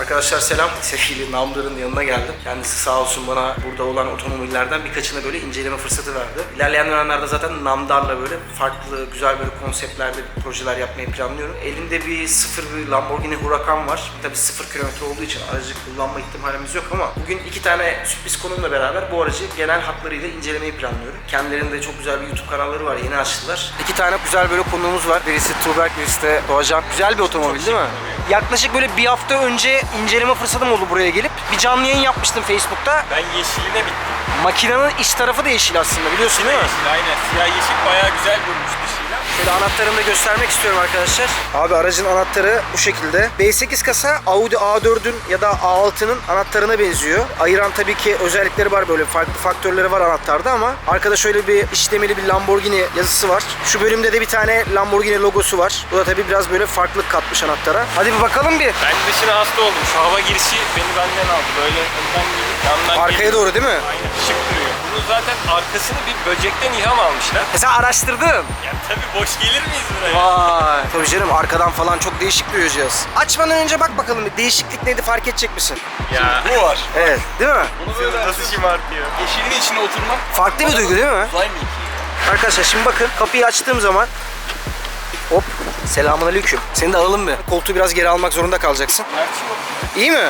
Arkadaşlar selam. Sevgili Namdar'ın yanına geldim. Kendisi sağ olsun bana burada olan otomobillerden birkaçını böyle inceleme fırsatı verdi. İlerleyen dönemlerde zaten Namdar'la böyle farklı güzel böyle konseptlerde projeler yapmayı planlıyorum. Elimde bir sıfır bir Lamborghini Huracan var. Tabii 0 kilometre olduğu için aracı kullanma ihtimalimiz yok ama bugün 2 tane sürpriz konumla beraber bu aracı genel hatlarıyla incelemeyi planlıyorum. Kendilerinde çok güzel bir YouTube kanalları var. Yeni açtılar. 2 tane güzel böyle konuğumuz var. Birisi Tuğberk, birisi de Doğacan. Güzel bir otomobil değil mi? Yaklaşık böyle bir hafta önce inceleme fırsatım oldu buraya gelip. Bir canlı yayın yapmıştım Facebook'ta. Ben yeşiline bittim. Makinenin iç tarafı da yeşil aslında, biliyorsun değil mi? Yeşil, aynen. Siyah yeşil bayağı güzel durmuş dışıyla. Şöyle anahtarımı da göstermek istiyorum arkadaşlar. Abi aracın anahtarı bu şekilde. B8 kasa Audi A4'ün ya da A6'nın anahtarına benziyor. Ayıran tabii ki özellikleri var, böyle farklı faktörleri var anahtarda ama arkada şöyle bir işlemeli bir Lamborghini yazısı var. Şu bölümde de bir tane Lamborghini logosu var. Bu da tabii biraz böyle farklılık katmış anahtara. Hadi bir bakalım bir. Ben dışına hasta oldum. Şu hava girişi beni benden aldı. Böyle önden gelip yandan Arkaya geliyor. doğru değil mi? Aynen. Şık duruyor. Bunun zaten arkasını bir böcekten ilham almışlar. Sen araştırdın. Ya tabii boş gelir miyiz buraya? Vay. Tabii canım, arkadan falan çok değişik duruyor cihaz. Açmadan önce bak bakalım bir değişiklik neydi, fark edecek misin? Ya. Bu var. Evet, değil mi? Bunu böyle Nasıl şımartıyor? yeşilin içine oturmak Farklı bir duygu değil mi? uzay mı iki? Arkadaşlar şimdi bakın, kapıyı açtığım zaman hop, selamünaleyküm. Seni de alalım mı? Koltuğu biraz geri almak zorunda kalacaksın. Gerçi yok. İyi mi?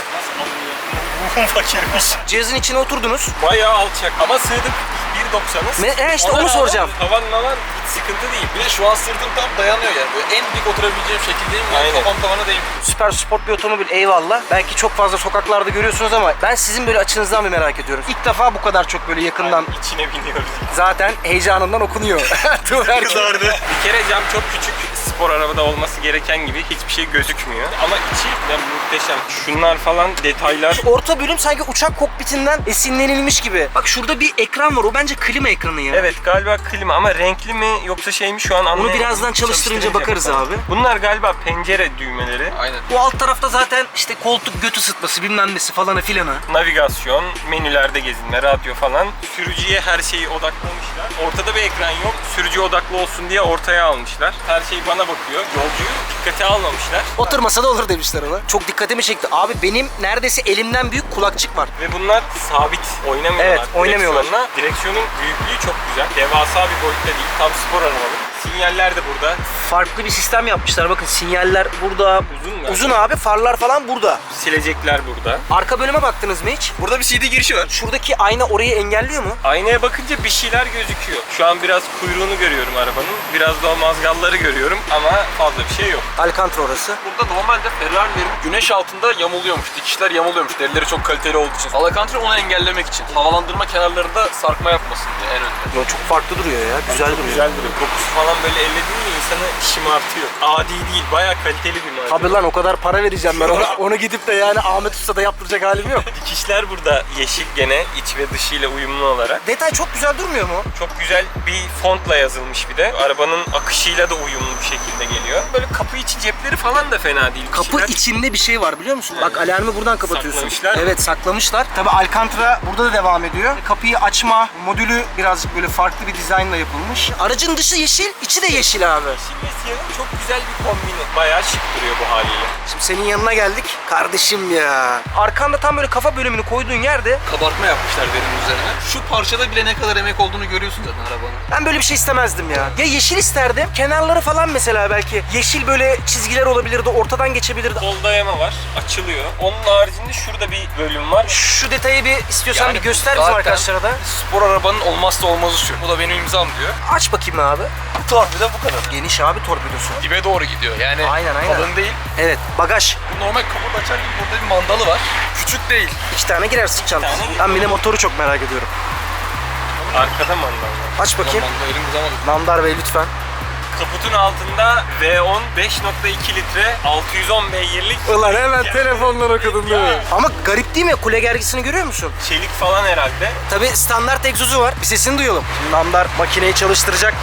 Fakirmiş. Cihazın içine oturdunuz. Bayağı alçak ama sığdık 1.90'ız. İşte onu soracağım. Tavan hiç sıkıntı değil. Bir de şu an sırtım tam dayanıyor yani. Böyle en dik oturabileceğim şekildeyim. Yani Aynen. kafam tavana değmiyor. Süper sport bir otomobil, eyvallah. Belki çok fazla sokaklarda görüyorsunuz ama ben sizin böyle açınızdan bir merak ediyorum. İlk defa bu kadar çok böyle yakından, İçine biniyoruz. zaten heyecanından okunuyor. Kızardı. Bir kere cam çok küçük. Spor arabada olması gereken gibi hiçbir şey gözükmüyor. Ama içi de muhteşem. Şunlar falan detaylar. Orta bölüm sanki uçak kokpitinden esinlenilmiş gibi. Bak şurada bir ekran var, o bence klima ekranı ya. Evet galiba klima ama renkli mi yoksa şey mi şu an anlayamadım. Onu birazdan çalıştırınca bakarız bakalım. abi. Bunlar galiba pencere düğmeleri. Aynen. Bu alt tarafta zaten işte koltuk göt ısıtması bilmem nesi falanı filanı. Navigasyon, menülerde gezinme, radyo falan. Sürücüye her şeyi odaklamışlar. Ortada bir ekran yok. Sürücü odaklı olsun diye ortaya almışlar. Her şey bana bakıyor. Yolcuyu dikkate almamışlar. Oturmasa da olur demişler ona. Çok dikkatimi çekti. Abi benim neredeyse elimden büyük kulakçık var. Ve bunlar sabit oynamıyorlar. Evet, oynamıyorlar. Direksiyonla. Direksiyonun büyüklüğü çok güzel. Devasa bir boyutta değil. Tam spor arabalı. Sinyaller de burada. Farklı bir sistem yapmışlar. Bakın sinyaller burada. Uzun mu? Uzun abi, farlar falan burada. Silecekler burada. Arka bölüme baktınız mı hiç? Burada bir CD girişi var. Şuradaki ayna orayı engelliyor mu? Aynaya bakınca bir şeyler gözüküyor. Şu an biraz kuyruğunu görüyorum arabanın. Biraz da o mazgalları görüyorum ama fazla bir şey yok. Alcantara orası. Burada normalde Ferrari'lerin güneş altında yamuluyormuş. Dikişler yamuluyormuş. Derileri çok kaliteli olduğu için. Alcantara onu engellemek için. Havalandırma kenarlarında sarkma yapmasın diye en önde. Yo, çok farklı duruyor ya. Güzel duruyor. Güzel duruyor. Kokusu falan böyle elledin mi insanı şımartıyor. Adi değil. Bayağı kaliteli bir malzeme. Tabii lan, o kadar para vereceğim ben ona. Onu gidip de yani Ahmet Usta'da yaptıracak halim yok. Dikişler burada yeşil gene iç ve dışıyla uyumlu olarak. Detay çok güzel durmuyor mu? Çok güzel bir fontla yazılmış bir de. Arabanın akışıyla da uyumlu bir şekilde geliyor. Böyle kapı içi cepleri falan da fena değil. Bir Kapı şeyler. içinde bir şey var biliyor musun? Bak alarmı buradan kapatıyorsun. Saklamışlar. Evet, saklamışlar. Tabii Alcantara burada da devam ediyor. Kapıyı açma modülü birazcık böyle farklı bir dizaynla yapılmış. Aracın dışı yeşil, içi de yeşil abi. Yeşil ve siyahın çok güzel bir kombini. Bayağı şık duruyor bu haliyle. Şimdi senin yanına geldik. Kardeşim ya. Arkanda tam böyle kafa bölümünü koyduğun yerde Kabartma yapmışlar verinin üzerine. Şu parçada bile ne kadar emek olduğunu görüyorsun zaten arabanın. ben böyle bir şey istemezdim ya. Ya yeşil isterdim. Kenarları falan mesela belki yeşil böyle çizgiler olabilirdi, ortadan geçebilirdi. Kol dayama var. Açılıyor. Onun haricinde şurada bir bölüm var. Şu detayı bir istiyorsan Yani bir göster bizim zaten arkadaşlara da. Spor arabanın olmazsa olmazı şu. Bu da benim imzam diyor. Aç bakayım abi. Torpido bu kadar. Geniş abi torpidosu. Dibe doğru gidiyor. Yani Aynen, aynen. kalın değil. Evet, bagaj. Bu normal kaput açar gibi burada bir mandalı var. Küçük değil. 2 tane girersin çantası. tane Ben bir de motoru çok merak ediyorum. Arkada mandal var. Aç bakayım. Mandal elim uzamadı. Namdar Bey lütfen. Kaputun altında V10 5.2 litre 610 beygirlik Ulan hemen telefondan okudun değil mi? Ama garip değil mi? Kule gergisini görüyor musun? çelik falan herhalde. Tabii standart egzozu var. Bir sesini duyalım. Şimdi Namdar makineyi çalıştıracak.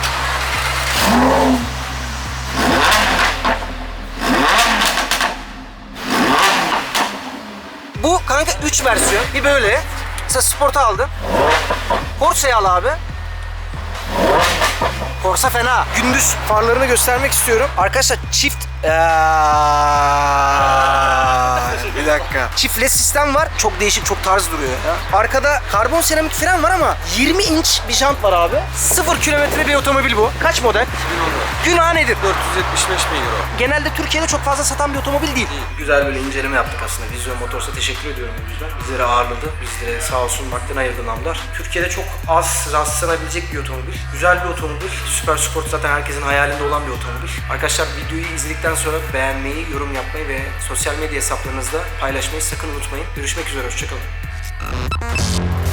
Bu kanka 3 versiyon. Bir böyle. Mesela Sport'u aldın. Corsa'yı al abi. Corsa fena. Gündüz farlarını göstermek istiyorum. Arkadaşlar çift Bir dakika. Çift led sistem var. Çok değişik, çok tarz duruyor ya. Arkada karbon seramik fren var ama 20 inç bir jant var abi. 0 kilometre bir otomobil bu. Kaç model? 2010'da. Günah nedir? 475 bin euro. Genelde Türkiye'de çok fazla satan bir otomobil değil. Güzel böyle inceleme yaptık aslında. Vizyon Motors'a teşekkür ediyorum bu yüzden. Bizleri ağırladı. Bizlere sağ olsun vaktin ayırdı namlar. Türkiye'de çok az rastlanabilecek bir otomobil. Güzel bir otomobil. Süper Sport zaten herkesin hayalinde olan bir otomobil. Arkadaşlar videoyu izledikten sonra beğenmeyi, yorum yapmayı ve sosyal medya hesaplarınızda paylaşmayı sakın unutmayın. Görüşmek üzere. Hoşçakalın.